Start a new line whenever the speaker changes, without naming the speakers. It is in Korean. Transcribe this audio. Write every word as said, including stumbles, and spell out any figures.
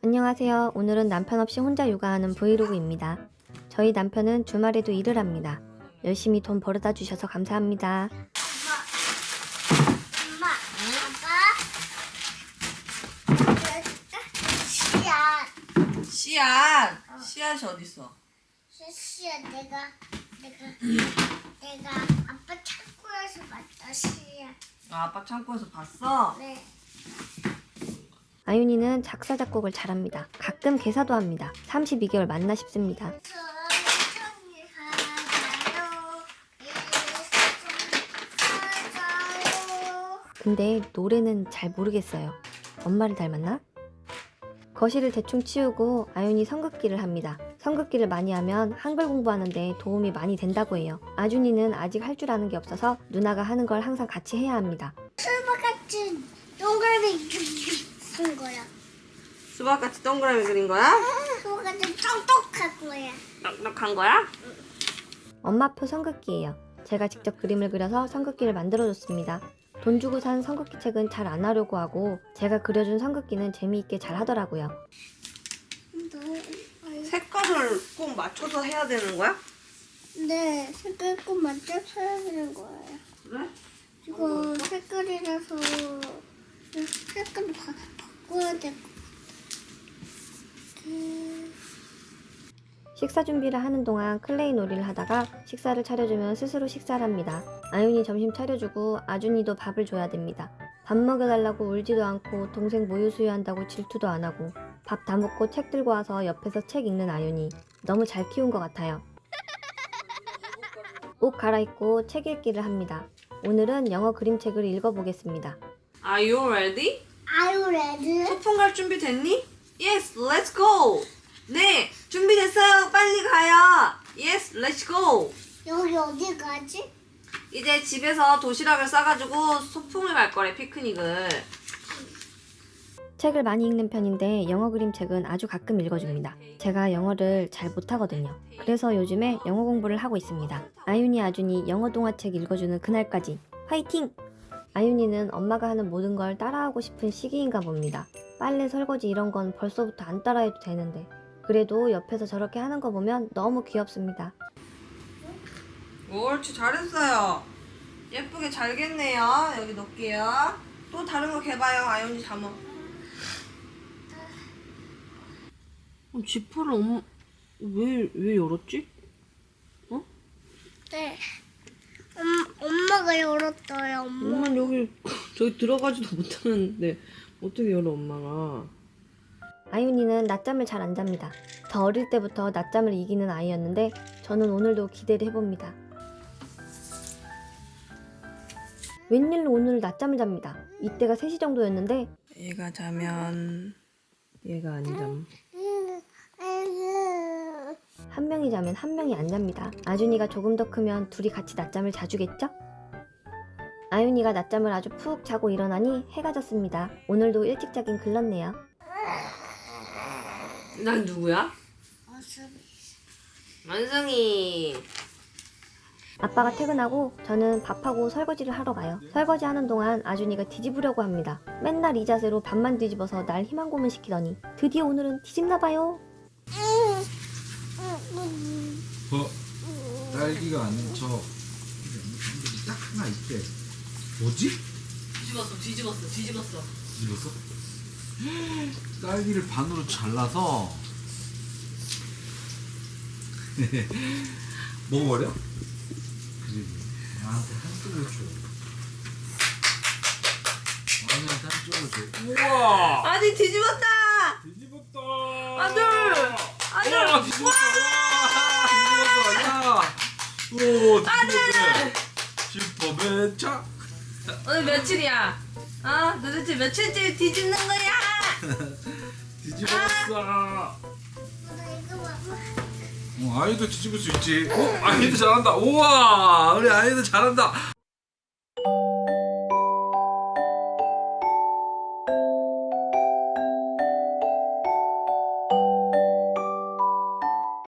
안녕하세요. 오늘은 남편 없이 혼자 육아하는 브이로그입니다. 저희 남편은 주말에도 일을 합니다. 열심히 돈 벌어다 주셔서 감사합니다.
엄마, 아빠, 씨앗,
씨앗! 씨앗이 어딨어?
씨앗 내가 내가 내가 아빠 창고에서 봤다 씨앗.
아, 아빠 창고에서 봤어?
네.
아윤이는 작사 작곡을 잘합니다. 가끔 개사도 합니다. 삼십이 개월 만나 싶습니다.
천천히 가요. 가요.
근데 노래는 잘 모르겠어요. 엄마를 닮았나? 거실을 대충 치우고 아윤이 성극기를 합니다. 성극기를 많이 하면 한글 공부하는데 도움이 많이 된다고 해요. 아준이는 아직 할 줄 아는 게 없어서 누나가 하는 걸 항상 같이 해야 합니다.
수박 같은 동그라미 쓴 거야.
수박같이 동그라미 그린 거야?
수박 같은 똑똑한 거야.
넉넉한 거야?
엄마표 성극기예요. 제가 직접 그림을 그려서 성극기를 만들어줬습니다. 돈 주고 산 성극기 책은 잘 안 하려고 하고 제가 그려준 성극기는 재미있게 잘 하더라고요.
색깔을 꼭 맞춰서 해야 되는 거야?
네, 색깔 꼭 맞춰서 해야 되는 거예요.
그래?
이거 색깔이라서 색깔 바, 바꿔야 될 것 같아.
식사 준비를 하는 동안 클레이 놀이를 하다가 식사를 차려주면 스스로 식사를 합니다. 아윤이 점심 차려주고 아준이도 밥을 줘야 됩니다. 밥 먹여달라고 울지도 않고 동생 모유 수유한다고 질투도 안 하고 밥 다 먹고 책 들고 와서 옆에서 책 읽는 아윤이 너무 잘 키운 것 같아요. 옷 갈아입고 책 읽기를 합니다. 오늘은 영어 그림책을 읽어보겠습니다.
Are you ready?
아유 레드.
소풍 갈 준비 됐니? Yes, let's go! 네, 준비됐어요. 빨리 가요. Yes, let's go!
여기 어디 가지?
이제 집에서 도시락을 싸가지고 소풍을 갈 거래, 피크닉을.
책을 많이 읽는 편인데 영어 그림책은 아주 가끔 읽어줍니다. 제가 영어를 잘 못하거든요. 그래서 요즘에 영어 공부를 하고 있습니다. 아윤이 아준이 영어 동화책 읽어주는 그날까지 화이팅! 아윤이는 엄마가 하는 모든 걸 따라하고 싶은 시기인가 봅니다. 빨래, 설거지 이런 건 벌써부터 안 따라해도 되는데 그래도 옆에서 저렇게 하는 거 보면 너무 귀엽습니다.
옳지, 잘했어요. 예쁘게 잘겠네요. 여기 놓을게요. 또 다른 거 개봐요. 아윤이 잠어. 어, 지퍼를 엄마 왜, 왜 열었지? 어?
네. 엄, 엄마가 열었어요. 엄마.
엄마는 여기 저기 들어가지도 못하는데 어떻게 열어 엄마가?
아윤이는 낮잠을 잘 안 잡니다. 더 어릴 때부터 낮잠을 이기는 아이였는데 저는 오늘도 기대를 해봅니다. 웬일로 오늘 낮잠을 잡니다. 이때가 세 시 정도였는데
얘가 자면 얘가 안 잠.
한 명이 자면 한 명이 안 잡니다. 아준이가 조금 더 크면 둘이 같이 낮잠을 자주겠죠? 아윤이가 낮잠을 아주 푹 자고 일어나니 해가 졌습니다. 오늘도 일찍 자긴 글렀네요.
난 누구야?
어서.
만성이.
아빠가 퇴근하고 저는 밥하고 설거지를 하러 가요. 설거지 하는 동안 아준이가 뒤집으려고 합니다. 맨날 이 자세로 밥만 뒤집어서 날 희망 고문 시키더니 드디어 오늘은 뒤집나봐요.
어? 딸기가 아닌 저 딱 하나 있대. 뭐지?
뒤집었어, 뒤집었어, 뒤집었어.
뒤집었어? 딸기를 반으로 잘라서 먹어버려? 그래, 나한테 한쪽을 줘. 나한테 한쪽을 줘. 우와!
아니 뒤집었다.
뒤집었다.
아들, 아들.
와, 뒤집었다. 와, 뒤집었다. 야, 오, 뒤집었네. 슈퍼맨차.
오늘 며칠이야? 어? 도대체 며칠째 뒤집는 거야?
뒤집었어.
이거 봐봐.
어, 아이도 뒤집을 수 있지. 어, 아이도 잘한다. 우와, 우리 아이도 잘한다.